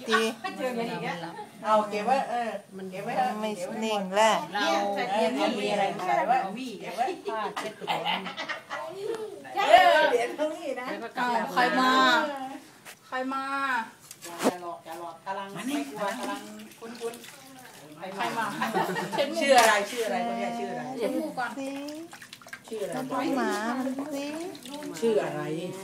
ทีเอาเก็บไว้มันเก็บไว้ไม่นิ่งแล้วเรามีอะไรใส่ไว้เก็บไว้ผ้าเช็ดตัวเหรียญตรงนี้นะแล้วก็กลับใครมาอย่าหลอกกำลังไม่กลัวกำลังคุ้นใครมาชื่ออะไรคนนี้ชื่ออะไรเช็ดมือก่อนสิชื่ออะไรมาดูหมามันสิชื่ออะไร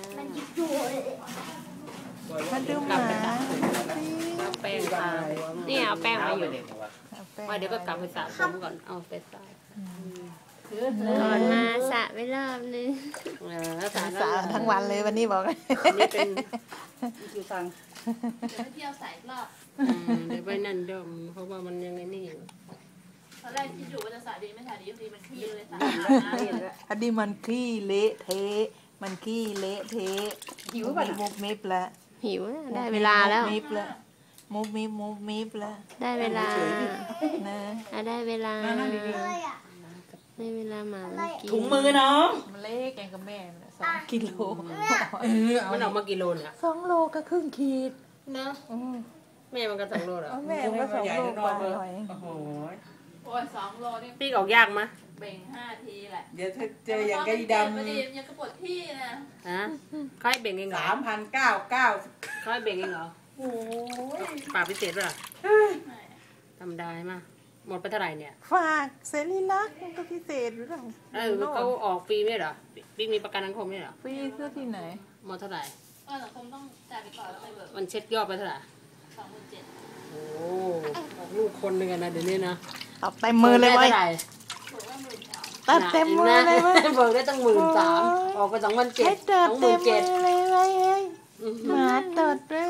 มาดูหมาสิแป้งทานี่เอาแป้งมาอยู่เอาแป้งว่าเดี๋ยวก็กลับไปสระผมก่อนเอาไปสระก่อนมาสระไปรอบนึงแล้วสระสาทั้งวันเลยวันนี้บอกนี่เป็นชื่อฟังเดี๋ยวไปเที่ยวสายรอบเดี๋ยวไปนั่นเดิมเพราะว่ามันยังไงนี่อยู่ตอนแรกคิดอยู่ว่าจะสระดีไม่สระดีทีมันขี้เลยสระอันนี้มันขี้เละเทะมันขี้เละเทะหิวป่ะมุบมิบแล้วหิวได้เวลาแล้วมุบมิบแล้วมุบมิบแล้วได้เวลานะได้เวลาได้เวลาหมามันกินถุงมือน้องมันเล็กแกงกับแม่2 กิโลมันออกมากี่โลเนี่ย 2 โลก็ครึ่งขีดเนาะแม่มันก็2 โลเหรอแม่ก็2 โลกว่าหน่อยโอ้โหโอ้ย2 โลนี่ปีกออกยากมั้ยเบ่ง5 ทีแหละเดี๋ยวถ้าเจออย่างไก่ดำพอดียังกระปวดที่นะฮะเขาให้เบ่งเองเหรอ 3,990 เขาให้เบ่งเองเหรอโอ้ยปรับพิเศษป่ะธรรมดาไหมหมดไปเท่าไหร่เนี่ยฝากเสรีลักษณ์มันก็พิเศษอยู่แล้วเขาออกฟรีไม่เหรอปีมีประกันสังคมไม่เหรอฟรีซื้อที่ไหนหมดเท่าไหร่สังคมต้องจ่ายไปก่อนแล้วไปเบิกมันเช็ดยอดไปเท่าไหร่ 27,000 โอ้ออกลูกคนหนึ่งนะเดี๋ยวนี้นะตัดเต็มมือเลยเว้ยถูกว่า13,000 ตัดเต็มมือเลยเว้ยเบิกได้ตั้ง13,000ออกไป2,700 ให้ตัดเต็มมือ 27,000 เลยเว้ยเฮ้ยหมาตัดเลย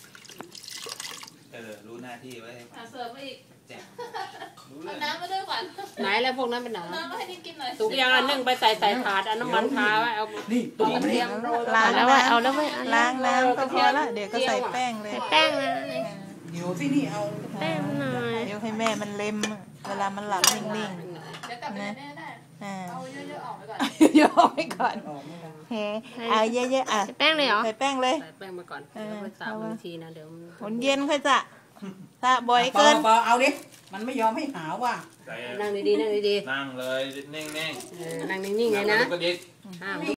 รู้หน้าที่ไว้เสิร์ฟมาอีกแจ้งรู้เอาเรื่องน้ำมาด้วยก่อนไหนแล้วพวกนั้นเป็นไหนน้ำมาให้นี่กินหน่อยสุกยังอันนึ่งไปใส่ถาดอันน้ำมันทาไว้เอานี่ตัวกระเทียมล้างแล้วว่าเอาแล้วเว้ยล้างน้ำก็พอละเดี๋ยวก็ใส่แป้งเลยแป้งนะเดี๋ยวที่นี่เอาแป้งหน่อยเดี๋ยวให้แม่มันเล็มเวลามันหลับนิ่งเดี๋ยวกลับไปแน่ได้ๆอ่าเอาเยอะๆออกไปก่อนโยกไปก่อนออกไม่ได้เฮ้เอาเยอะๆอ่ะแป้งเลยเหรอใส่แป้งเลยใส่แป้งมาก่อนแล้วไปสระบางทีนะเดี๋ยวหนเย็นค่อยจะถ้าบ่อยเกินเปล่าเอาดิมันไม่ยอมให้หาว่ะใส่นั่งดีๆนั่งดีนั่งเลยนิ่งๆๆนั่งนิ่งๆเลยนะกระดิกห้าม